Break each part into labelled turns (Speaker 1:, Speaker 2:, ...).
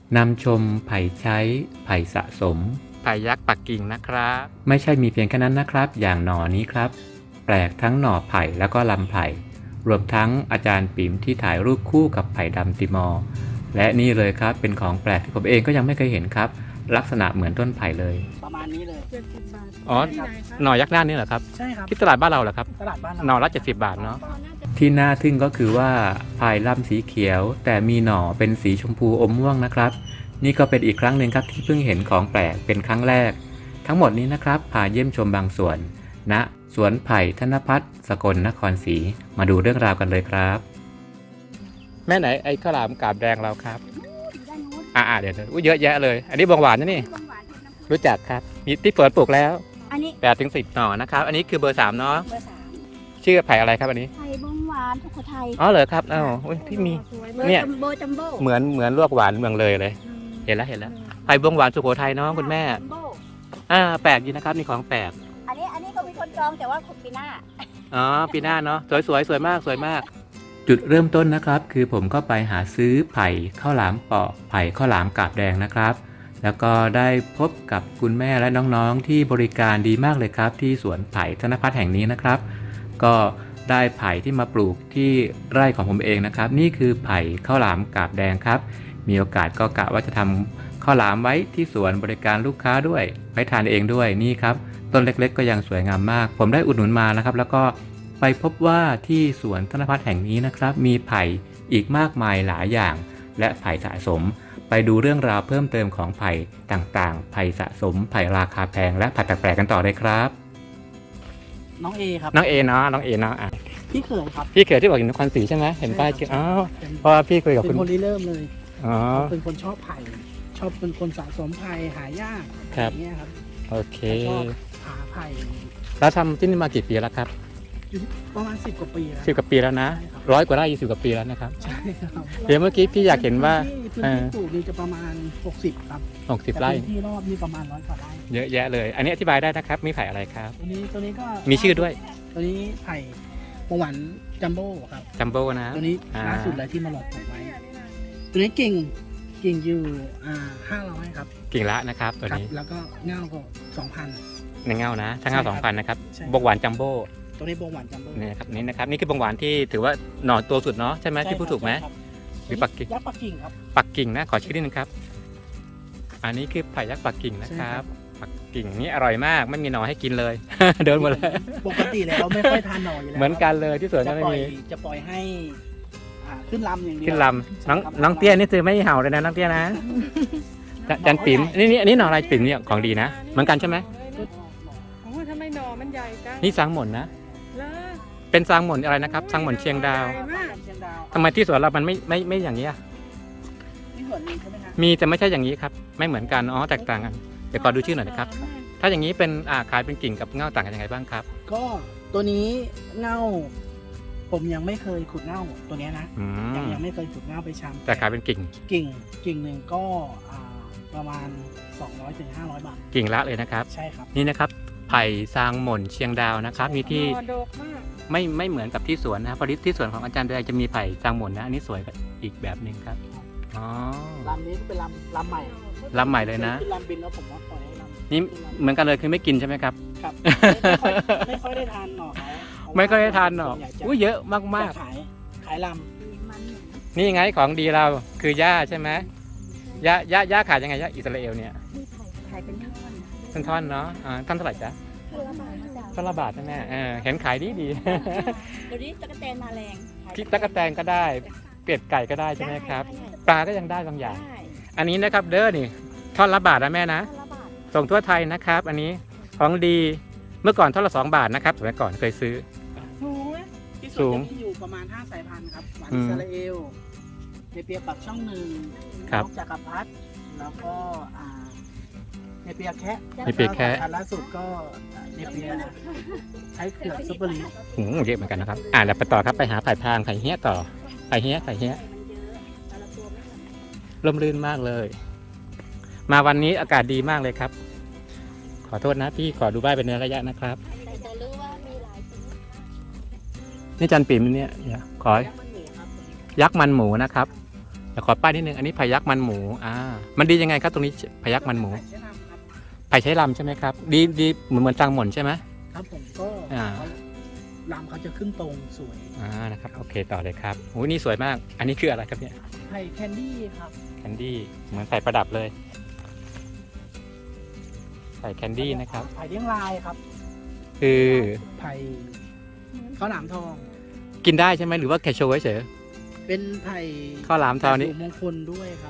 Speaker 1: นำชมไผ่ใช้ไผ่สะสมไผ่ยักษ์ปักกิ่งนะครับไม่ใช่มีเพียงแค่นั้นนะครับอย่างหน่อนี้ครับแปลกทั้งหน่อไผ่แล้วก็ลำไผ่รวมทั้งอาจารย์ปิ๋มที่ถ่ายรูปคู่กับไผ่ดำติมอร์และนี่เลยครับเป็นของแปลกที่ผมเองก็ยังไม่เคยเห็นครับลักษณะเหมือนต้นไผ่เลย
Speaker 2: ประมาณนี้เลย
Speaker 3: 70 บาท
Speaker 1: อ๋อ
Speaker 3: ที่ไหนคะ
Speaker 1: หน่อยักษ์ด้านนี้เหรอครับ
Speaker 2: ใช่ครับ
Speaker 1: ที่ตลาดบ้านเราเหรอครับ
Speaker 2: ตลาดบ้านเรา
Speaker 1: หน่อละ70 บาทเนาะ
Speaker 3: อ๋อน่าจะ
Speaker 1: ที่น่าทึ่งก็คือว่าพายลำสีเขียวแต่มีหน่อเป็นสีชมพูอมม่วงนะครับนี่ก็เป็นอีกครั้งหนึ่งครับที่เพิ่งเห็นของแปลกเป็นครั้งแรกทั้งหมดนี้นะครับพาเยี่ยมชมบางส่วนณสวนไผ่ธนพัฒน์สกลนครศรีมาดูเรื่องราวกันเลยครับแม่ไหนไอ้ข้าวหลามกาบแดงเราครับเดี๋ยวเยอะแยะเลยอันนี้บวงหวานนะนี่รู้จักครับมีที่เปิดปลูกแล้ว
Speaker 4: อันนี้
Speaker 1: 8 ถึง 10 หน่อนะครับอันนี้คือเบอร์ 3เนาะ
Speaker 4: เบอร์ 3
Speaker 1: ชื่อไผ่อะไรครับอันนี้
Speaker 4: ไทยบงหวานทุกคนไทย
Speaker 1: อ๋อเหรอครับอ้าวที่มี
Speaker 3: สวย
Speaker 4: เบอร์
Speaker 1: เนี่ย
Speaker 4: จัมโบจัมโบ้
Speaker 1: เหมือนลวกหวานเมืองเลย เห็นแล้วไผ่บวงหวานสุโขทัยเนาะคุณแม่
Speaker 4: จัมโบ้
Speaker 1: แปลกดีนะครับนี่ของแปลก
Speaker 4: อันนี้ก็มีคนจองแต่ว่าปีหน้า
Speaker 1: อ๋อปีหน้าเนาะสวยมากจุดเริ่มต้นนะครับคือผมก็ไปหาซื้อไผ่ข้าวหลามเปาะไผ่ข้าวหลามกาบแดงนะครับแล้วก็ได้พบกับคุณแม่และน้องๆที่บริการดีมากเลยครับที่สวนไผ่ธนพัฒน์แห่งนี้นะครับก็ได้ไผ่ที่มาปลูกที่ไร่ของผมเองนะครับนี่คือไผ่ข้าวหลามกาบแดงครับมีโอกาสก็กะว่าจะทำข้าวหลามไว้ที่สวนบริการลูกค้าด้วยไว้ทานเองด้วยนี่ครับต้นเล็กๆก็ยังสวยงามมากผมได้อุดหนุนมานะครับแล้วก็ไปพบว่าที่สวนธนพัฒน์แห่งนี้นะครับมีไผ่อีกมากมายหลายอย่างและไผ่สะสมไปดูเรื่องราวเพิ่มเติมของไผ่ต่างๆไผ่สะสมไผ่ราคาแพงและไผ่แปลกๆกันต่อเลยครับ
Speaker 2: น้องเอครับ
Speaker 1: น้องเอเนาะ
Speaker 2: พี่เขยครับ
Speaker 1: พี่เขยที่บอกอยู่นครศรีใช่ไหมเห็นป้ายอ๋อเพราะว่าพี่คุยกับ
Speaker 2: เป็
Speaker 1: คุณ
Speaker 2: นคนริเริ่มเลย
Speaker 1: อ๋อ
Speaker 2: เป็นคนชอบไผ่ชอบเป็นคนสะสมไผ่หายากอย่างเงี้ยครับ
Speaker 1: โอเค
Speaker 2: ชอบหาไผ่
Speaker 1: แล้วทำที่นี่มากี่ปีแล้วครับ
Speaker 2: อยู่ประมาณ10 กว่าปีแล้ว
Speaker 1: 10 กว่าปีแล้วนะ100 กว่าไร่20 กว่าปีแล้วนะครับ
Speaker 2: ใช่ครับ
Speaker 1: เดี๋ยวเมื่อกี้พี่อยากเห็นว่า
Speaker 2: พื้นที่ปลูกนี่จะประมาณ60ครับ
Speaker 1: 60 ไร่
Speaker 2: พื้นที่รอบนี่ประมาณ100 กว่าไร่
Speaker 1: เยอะแยะเลยอันนี้อธิบายได้นะครับมีไผ่อะไรครับ
Speaker 2: ตัวนี้ก็
Speaker 1: มีชื่อด้วย
Speaker 2: ตัวนี้ไผ่บงหวานจัมโบ้ครับ
Speaker 1: จัมโบ้นะ
Speaker 2: ตัวนี้ล่าสุดเลยที่มาหลอกผมไว้ตัวนี้กิ่งอยู่500ครับ
Speaker 1: กิ่งละนะครับตัวนี้
Speaker 2: แล้วก็เงาก็2,000
Speaker 1: ในเงานะถ้าเงา 2,000นะครับบงหวานจัมโบ้
Speaker 2: ตัวนี้บงหวานจัมโบ้
Speaker 1: นี่ครับนี่คือบงหวานที่ถือว่าหน่อตัวสุดเนาะใช่ไหมที่พูดถูกไหมหรือปักกิ่ง
Speaker 2: ยักษ์ปักกิ่งครับ
Speaker 1: ปักกิ่งนะขอชื่อนิดนึงครับอันนี้คือไผ่ยักษ์ปักกิ่งนะครับปักกิ่งนี่อร่อยมากไม่มีหน่อให้กินเลย เดินหมดเลย
Speaker 2: ปกติแล้วไม่ค่อยทานหน่ออยู่แล้ว
Speaker 1: เหมือนกันเลยที่สวนก็ไม่มี
Speaker 2: จะปล่อยให้ขึ้นลำอย่างเดียว
Speaker 1: ขึ้นลำน้องเตี้ยนี่คือไม่เห่าเลยนะน้องเตี้ยนะจันปิ๋มอันนี้หน่ออะไรปิ๋มเนี่ยของดีนะเหมือนกันใช่ไหม
Speaker 3: โอ้ทำไมหน่อมันใหญ่จัง
Speaker 1: นี่ซางหม่นนะเป็นซางหม่นอะไรนะครับซางหม่นเชียงดาวทำไมที่สวนเรามันไม่อย่างนี้มีแต่ไม่ใช่อย่างนี้ครับไม่เหมือนกันอ๋อแตกต่างกันเดี๋ยวขอดูชื่อหน่อยนะครับถ้าอย่างนี้เป็นขายเป็นกิ่งกับเง่าต่างกันยังไงบ้างครับ
Speaker 2: ก็ตัวนี้เง่าผมยังไม่เคยขุดเง่าตัวนี้นะยังไม่เคยขุดเง่าไปชำ
Speaker 1: แต่ขายเป็นกิ่ง
Speaker 2: หนึ่งก็ประมาณ200 ถึง 500 บาท
Speaker 1: กิ่งละเลยนะครับ
Speaker 2: ใช่ครับ
Speaker 1: นี่นะครับไผ่ซางหม่นเชียงดาวนะครับมีที่ไม่เหมือนกับที่สวนนะครับพอดีที่สวนของอาจารย์เดยจะมีไผ่ซางหม่นนะอันนี้สวยอีกแบบหนึ่งครับอ๋อ
Speaker 2: ลำนี้เป็นลำใหม่
Speaker 1: เลยนะ
Speaker 2: ลำบินแล้วผมว่าปล่อยให้ลำ
Speaker 1: นี่เหมือนกันเลยคือไม่กินใช่ไหมครับ
Speaker 2: ครับไม่ค่อยได้ทานหน่อ
Speaker 1: ไม่ค่อยได้ทานหน่อเยอะมาก
Speaker 2: ขายลำ
Speaker 1: นี่ไงของดีเราคือย่าใช่ไหมย่าขายยังไงย่าอิสราเอลเนี่ย
Speaker 4: ขายเป็น
Speaker 1: ท่อนเนาะท่อนเท่าไหร่จ๊ะท่อนละบาทใช่ไหมเห็นขายดี
Speaker 4: เดี๋ยวนี้ตะกแตนมาแรง
Speaker 1: คิดตะกแตนก็ได้เป็ดไก่ก็ได้ใช่ไหมครับปลาก็ยังได้บางอย่างอันนี้นะครับเด้อนี่ท่อนละบาทนะแม่นะส่งทั่วไทยนะครับอันนี้ของดีเมื่อก่อนท่อนละ2 บาทนะครับสมัยก่อนเคยซื้อ
Speaker 2: สูงอยู่ประมาณ5 สายพันธุ์ครับหวานอิสราเอลเนเปียปักช่อง1
Speaker 1: ครับ
Speaker 2: จักรพรรดิแล้วก็เนเปียแคะอันล่าสุดก็เนเปียใช้เขือกซุปเปอร์ลี
Speaker 1: เยอะเหมือนกันนะครับแล้วไปต่อครับไปหาไผ่พางไผ่เฮี้ยต่อไผ่เฮี้ยร่มรื่นมากเลยมาวันนี้อากาศดีมากเลยครับขอโทษนะพี่ขอดูใบเป็นระยะนะครับนี่จันปิ่มเนี่ยขอยักษ์มันหมูนะครับแต่ขอป้ายนิดนึงอันนี้ไผ่ยักษ์มันหมูมันดียังไงครับตรงนี้ไผ่ยักษ์มันหมู
Speaker 2: ไผ่ใช้ลำครับ
Speaker 1: ไผ่ใช้ลำใช่ไหมครับดีเหมือนตังหม่นใช่ไหม
Speaker 2: ครับผมก็
Speaker 1: อ่า
Speaker 2: ลำเขาจะขึ้นตรงสวย
Speaker 1: นะครับโอเคต่อเลยครับโอ้ยนี่สวยมาก อันนี้คืออะไรครับเนี่ย
Speaker 2: ไผ่แคนดี้ครับ
Speaker 1: แคนดี้เหมือนใส่ประดับเลยใส่แคนดี้นะครับ
Speaker 2: ไผ่เลี้ยงลายครับ
Speaker 1: คือ
Speaker 2: ไผ่ข้าวหลามทอง
Speaker 1: กินได้ใช่ไหมหรือว่าแค่โชว์เฉย
Speaker 2: เป็นไผ่
Speaker 1: ข้าวหลามทองนี่
Speaker 2: มงคลด้วยครับ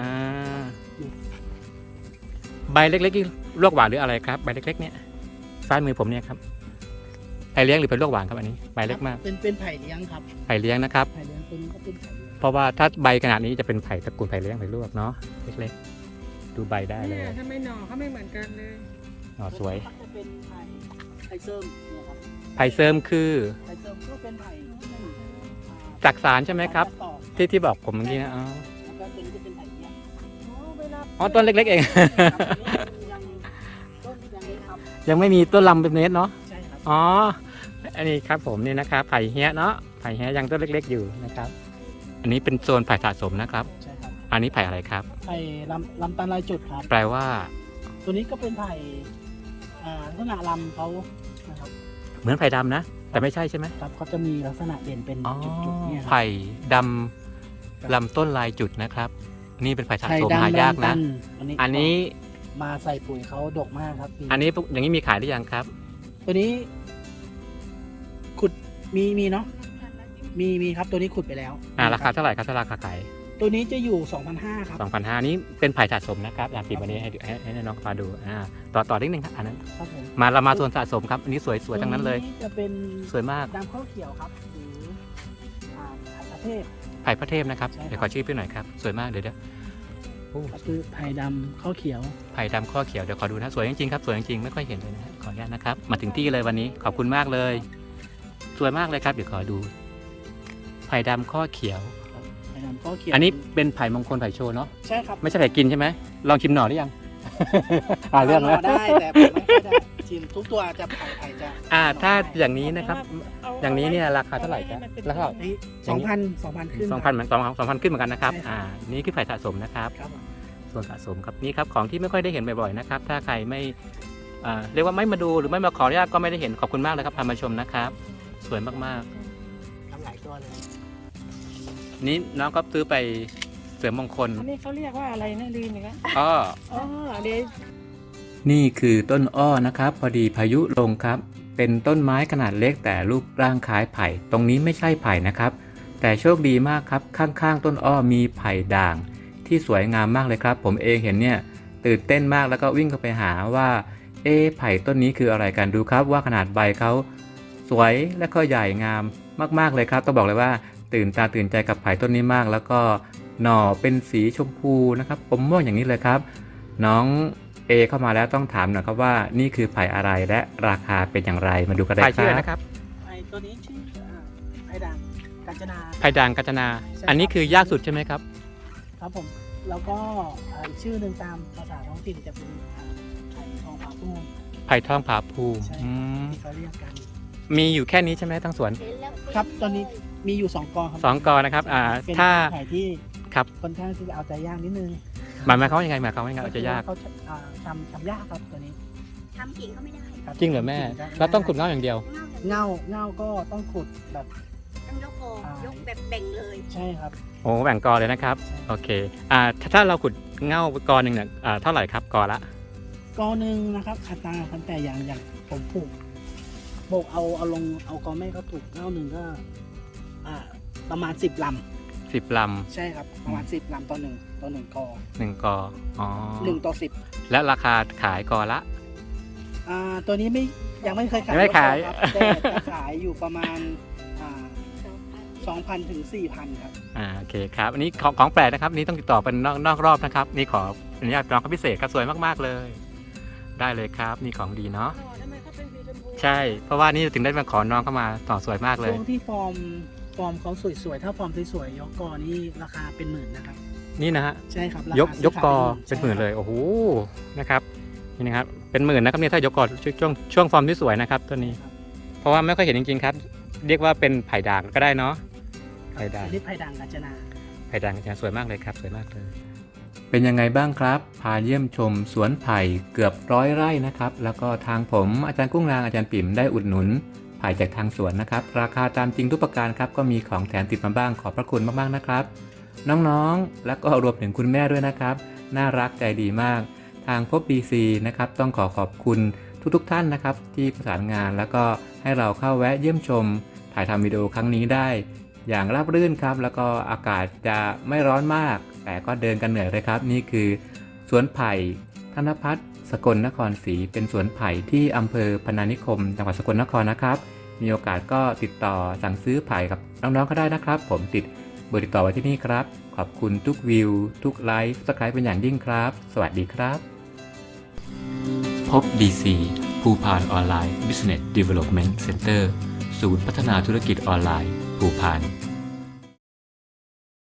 Speaker 1: ใบเล็กๆนี่ลวกหวานหรืออะไรครับใบเล็กๆเนี่ยซ้ายมือผมเนี่ยครับไผ่เลี้ยงหรือเป็นลวกหวานครับอันนี้ใบเล็กมาก
Speaker 2: เป็นไผ่เลี้ยงครับ
Speaker 1: ไผ่เลี้ยงนะครับ
Speaker 2: ไผ่เลี้ยงตัวนี้ก็เป็นไผ่เลี้ยง
Speaker 1: เพราะว่าถ้าใบขนาดนี้จะเป็นไผ่ตระกูลไผ่เลี้ยงไผ่ลวกเนาะเล็กๆดูใบได้เลย
Speaker 3: เนี่ยถ้าไม่หน่อเขาไม่เหมือนกันเลย
Speaker 1: สวย
Speaker 2: ก็จะเป็นไผ่เซิร์มเนี่ยครับ
Speaker 1: ไผ่เสริมคือ
Speaker 2: ไผ่เซิร์มก็เป็นไผ่
Speaker 1: จักสารใช่ไหมครับ
Speaker 2: ต่อ
Speaker 1: ที่บอกผมเมื่อกี้นะ
Speaker 2: แล้วก็ตัวนี้จะเป็นไผ่เลี้ยง
Speaker 3: เวลา
Speaker 1: ต้นเล็กๆเอง
Speaker 2: ครับอันนี้ยังต้นยังไม่ทำ
Speaker 1: ยังไม่มีต้นลำเป็นเมตรเนาะ
Speaker 2: ใช่ครับ
Speaker 1: อ๋ออันนี้ครับผมนี่นะครับไผ่เฮียเนาะไผ่เฮียยังต้นเล็กๆอยู่นะครับอันนี้เป็นโซนไผ่สะสมนะครับ
Speaker 2: ใช่ครับ
Speaker 1: อันนี้ไผ่อะไรครับ
Speaker 2: ไผ่ลำตาลลายจุดครับ
Speaker 1: แปลว่า
Speaker 2: ตัวนี้ก็เป็นไผ่ลักษณะลำเขานะครับ
Speaker 1: เหมือนไผ่ดำนะ แต่ไม่ใช่ใช่ไหม
Speaker 2: ครับเขาจะมีลักษณะเด่นเป็น
Speaker 1: อ๋อ
Speaker 2: จุดๆเนี่ยครับ
Speaker 1: ไผ่ดำลำต้นลายจุดนะครับ นี่เป็นไผ่สะ
Speaker 2: ไผ่
Speaker 1: สม
Speaker 2: ดำ
Speaker 1: หายาก
Speaker 2: ตั
Speaker 1: นะ อันนี้
Speaker 2: มาใส่ปุ๋ยเขาดกมากครับ
Speaker 1: อันนี้อย่างนี้มีขายหรือยังครับ
Speaker 2: ตัวนี้ ขุดมีเนาะมีครับตัวนี้ขุดไปแล้ว
Speaker 1: ราคาเท่าไหร่ครับถ้าราคาขาย
Speaker 2: ตัวนี้จะอยู่ 2,500 ครับ
Speaker 1: 2,500นี้เป็นไผ่สะสมนะครับอยากติดวันนี้ให้น้องฟ้าดูต่อนิดนึงครับอันนั้น
Speaker 2: ครับผม
Speaker 1: เรามาโซนสะสมครับอันนี้สวยๆทั้งนั้นเลย
Speaker 2: ตัวจะเป็น
Speaker 1: สวยมาก
Speaker 2: ดำข้าวเขียวครับหรือไผ่ประเทศ
Speaker 1: ไผ่พระเทพนะครับ
Speaker 2: ใช่ครับ
Speaker 1: เดี๋ยวขอชื่อพี่หน่อยครับสวยมากเดี๋ยวโอ้
Speaker 2: ก็คือไผ่ดำข้าวเขียว
Speaker 1: ไผ่ดำข้อเขียวเดี๋ยวขอดูนะสวยจริงๆครับสวยจริงๆไม่ค่อยเห็นเลยนะฮะขออนุญาตนะครับมาถึงที่เลยวันนี้ขอบคุณมากเลย สวยมากเลยครับเดี๋ยวขอดูไผ่ดำข้อเขียว
Speaker 2: ไผ่ดำข้าวเขียว
Speaker 1: อันนี้เป็นไผ่มงคลไผ่โชว์เนาะ
Speaker 2: ใช่ครับ
Speaker 1: ไม่ใช่ไผ่กินใช่ไหมลองชิมหน่อหรือยัง เรื่อง
Speaker 2: ร
Speaker 1: แล้ว
Speaker 2: ได้แต่ผมไม่ค่อยได้ชิมทุกตัวจะไผ่จะ
Speaker 1: ถ้าอย่างนี้นะครับอย่างนี้เนี่ยราคาเท่าไหร่ครับราคา
Speaker 2: นี่2,000ขึ้น
Speaker 1: 2,000เหมือน2,000ขึ้นเหมือนกันนะครับ
Speaker 2: ใช่ครับ
Speaker 1: นี่คือไผ่สะสมนะครับ
Speaker 2: ครับผม
Speaker 1: ส่วนสะสมครับนี่ครับของที่ไม่ค่อยได้เห็นบ่อยๆนะครับถ้าใครไม่เรียกว่าไม่มาดูหรือไม่มาขออนุญาตก็ไม่ได้เห็นขอบคุณมากเลยครับพามาชมนะครับสวยมาก
Speaker 2: ทำหลายตัวเลย
Speaker 1: ๆนี่น้องก็ซื้อไปเสริมมงคล
Speaker 3: อันนี้เขาเรียกว่าอะไรนะลืมอีกแล้ว
Speaker 1: อ้อ
Speaker 3: อ๋อเดี๋ยว
Speaker 1: นี่คือต้นอ้อนะครับพอดีพายุลงครับเป็นต้นไม้ขนาดเล็กแต่รูปร่างคล้ายไผ่ตรงนี้ไม่ใช่ไผ่นะครับแต่โชคดีมากครับข้างๆต้นอ้อมีไผ่ด่างที่สวยงามมากเลยครับผมเองเห็นเนี่ยตื่นเต้นมากแล้วก็วิ่งเข้าไปหาว่าไผ่ต้นนี้คืออะไรกันดูครับว่าขนาดใบเขาสวยและก็ใหญ่งามมากๆเลยครับต้องบอกเลยว่าตื่นตาตื่นใจกับไผ่ต้นนี้มากแล้วก็หน่อเป็นสีชมพูนะครับผมม่วงอย่างนี้เลยครับน้องเข้ามาแล้วต้องถามหน่อยครับว่านี่คือไผ่อะไรและราคาเป็นอย่างไรมาดูกันได้ครับ
Speaker 2: ไผ่ตัวนี้ชื่อไผ่ด่างกาญจนา
Speaker 1: ไผ่ด่างกาญจนา
Speaker 2: ใช่ครับ
Speaker 1: อันนี้คือยากสุดใช่ไหมครับ
Speaker 2: ครับผมแล้วก็อีกชื่อหนึ่งตามภาษาท้องถิ่นจะเป็นไผ่ทองผาภูมิ
Speaker 1: ไผ่ทองผาภูมิ
Speaker 2: ใช่ที่เขาเรียกกัน
Speaker 1: มีอยู่แค่นี้ใช่ไหมทั้งสวน
Speaker 2: ครับตอนนี้มีอยู่2กอครับ
Speaker 1: 2 กอนะครับ
Speaker 2: เป็น
Speaker 1: ถ้า
Speaker 2: ไผ่ที่
Speaker 1: ครับ
Speaker 2: ค่อนข้างที่จะเอาใจยากนิดนึง
Speaker 1: หมายความว่ายังไงหมายความว่ายังไงอาจจะยาก
Speaker 2: เขาทำยากครับตัวนี้
Speaker 4: ทำกิ่งก็ไม่ได้
Speaker 2: คบ
Speaker 1: จริงเหรอแม่เราต้องขุดเงาอย่างเดียว
Speaker 4: เงา
Speaker 2: เงาก็ต้องขุดแบบ
Speaker 4: ต้องยกโกยกแบบแบ่งเลย
Speaker 2: ใช่ครับ
Speaker 1: โอ้แบ่งกอเลยนะครับโอเคถ้าเราขุดเงากอหนึ่งเนี่ยเท่าไหร่ครับกอละ
Speaker 2: กอหนึ่งนะครับอัตราตั้งแต่อย่างผมปลูกโบกเอากอแม่เขาปลูกเงาหนึ่งก็ประมาณ10 ล
Speaker 1: 10 ล
Speaker 2: ำใช่ครับประมาณ10 ลำต่อหนึ่งกอ
Speaker 1: ำ1 กออ๋อ
Speaker 2: 1 ต่อ 10
Speaker 1: และราคาขายกอละ
Speaker 2: ตัวนี้ยังไม่เคยขาย
Speaker 1: ยังไม่ขาย
Speaker 2: ครับแต่จะขายอยู่ประมาณ2,000 ถึง 4,000 ครับ
Speaker 1: โอเคครับอันนี้ของแปลกนะครับนี่ต้องติดต่อเป็นนอกรอบนะครับนี่ขออนุญาตน้องเขาพิเศษครับสวยมากๆเลย ได้เลยครับนี่ของดีเนาะ
Speaker 3: หน่อทำไมเขาเป็นสีชมพู
Speaker 1: ใช่เพราะว่านี่ถึงได้มาขอน้องเข้ามาต่อสวยมากเลย
Speaker 2: ช่วงที่ฟอร์มเขาสวยๆ ถ้าฟอร์มสวยๆ ยกกอนี่ราคาเป็นหมื่นนะครับ
Speaker 1: นี่นะฮะ
Speaker 2: ใช่ครับราคาย
Speaker 1: กกอเป็นหมื่นเลยโอ้โหนะครับนี่นะครับเป็นหมื่นนะครับเนี่ยถ้ายกกอช่วงฟอร์มที่สวยนะครับตัวนี้ เพราะว่าไม่ค่อยเห็นจริงๆครับ เรียกว่าเป็นไผ่ด่างก็ได้เนาะไผ่ด่าง
Speaker 2: อันนี้ไผ่ด่างกาญจนา
Speaker 1: ไผ่ไผ่ด่างจะสวยมากเลยครับสวยมากเลย เป็นยังไงบ้างครับพาเยี่ยมชมสวนไผ่เกือบ100 ไร่นะครับแล้วก็ทางผมอาจารย์กุ้งนางอาจารย์ปิ่มได้อุดหนุนไผ่จากทางสวนนะครับราคาตามจริงทุกประการครับก็มีของแถมติดมาบ้างขอบพระคุณมากๆนะครับน้องๆและก็รวมถึงคุณแม่ด้วยนะครับน่ารักใจดีมากทางพบ DC นะครับต้องขอบคุณทุกท่านนะครับที่ประสานงานแล้วก็ให้เราเข้าแวะเยี่ยมชมถ่ายทำวิดีโอครั้งนี้ได้อย่างราบรื่นครับแล้วก็อากาศจะไม่ร้อนมากแต่ก็เดินกันเหนื่อยเลยครับนี่คือสวนไผ่ธนพัฒน์สกลนครศรีเป็นสวนไผ่ที่อำเภอพนานิคมจังหวัดสกลนครนะครับมีโอกาสก็ติดต่อสั่งซื้อไผ่กับน้องๆก็ได้นะครับผมติดเบอร์ติดต่อไว้ที่นี่ครับขอบคุณทุกวิวทุกไลค์ซับสไครป์เป็นอย่างยิ่งครับสวัสดีครับพบ DC ภูพานออนไลน์ Business Development Center ศูนย์พัฒนาธุรกิจออนไลน์ภูพาน